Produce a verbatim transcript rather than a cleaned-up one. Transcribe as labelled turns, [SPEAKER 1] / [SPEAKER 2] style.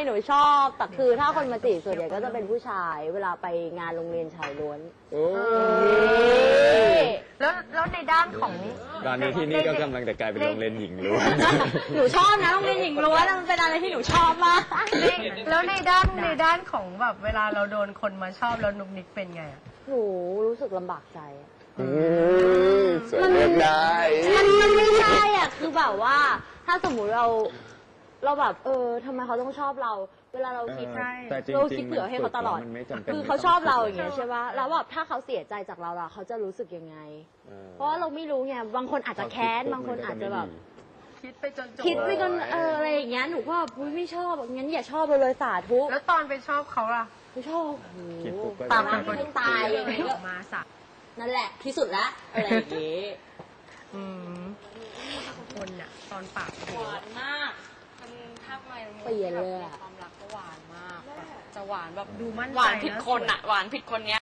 [SPEAKER 1] หนูชอบแต่คือถ้าคนมาจีบส่วนใหญ่ก็จะเป็นผู้ชายเวลาไปงานโรงเรียนชายล้วน
[SPEAKER 2] แล้วแล้วในด้านของ
[SPEAKER 3] ตอนนี้ที่นี่ก็กำลังจะกลายเป็นโรงเรียนหญิงล้วน
[SPEAKER 1] หนูชอบนะโรงเรียนหญิงล้วนมันเป็นอะไรที่หนูชอบมาก
[SPEAKER 2] แล้วในด้านในด้านของแบบเวลาเราโดนคนมาชอบแล้วนุกนิกเป็นไงอะ
[SPEAKER 1] หนูรู้สึกลำบากใจ
[SPEAKER 3] มันไม่ได้
[SPEAKER 1] มันมันไม่ใช่อ่ะคือแบบว่าถ้าสมมุติเราเราแบบเออทำไมเขาต้องชอบเรา เวลาเราคิด
[SPEAKER 3] แต่จริงๆ
[SPEAKER 1] เราคิดเผื่อให้เขาตลอด
[SPEAKER 3] มันไม่จำเป็น
[SPEAKER 1] คือเขาชอบเราอย่างเงี้ยใช่ปะแล้วแบบถ้าเขาเสียใจจากเราล่ะเขาจะรู้สึกยังไง เพราะว่าเราไม่รู้ไงบางคนอาจจะแค้นบางคนอาจจะแบบ
[SPEAKER 2] คิดไปจนจบ
[SPEAKER 1] คิดไปจนเอออะไรอย่างเงี้ยหนูก็แบบไม่ชอบงั้นอย่าชอบเราเลยสาธุ
[SPEAKER 2] แล้วตอนไปชอบเขาล่ะ
[SPEAKER 1] ไม่ชอบ
[SPEAKER 3] คิดปุ๊บก็
[SPEAKER 1] ตามเป็นคนตายยังไง
[SPEAKER 2] อ
[SPEAKER 1] ก็
[SPEAKER 2] อกมาสัก
[SPEAKER 1] นั่นแหละที่สุดละอะไรอย่างเงี้ย
[SPEAKER 2] อืมคนอะตอนปาก
[SPEAKER 4] หวานมากมันถ้าไม่
[SPEAKER 1] เปลี่ยนเลยอะ
[SPEAKER 4] ความรักก็หวานมากแบบจะหวานแบบ
[SPEAKER 2] ดูมั่นใจ
[SPEAKER 4] หวานผิดคนอะหวานผิดคนเนี้ย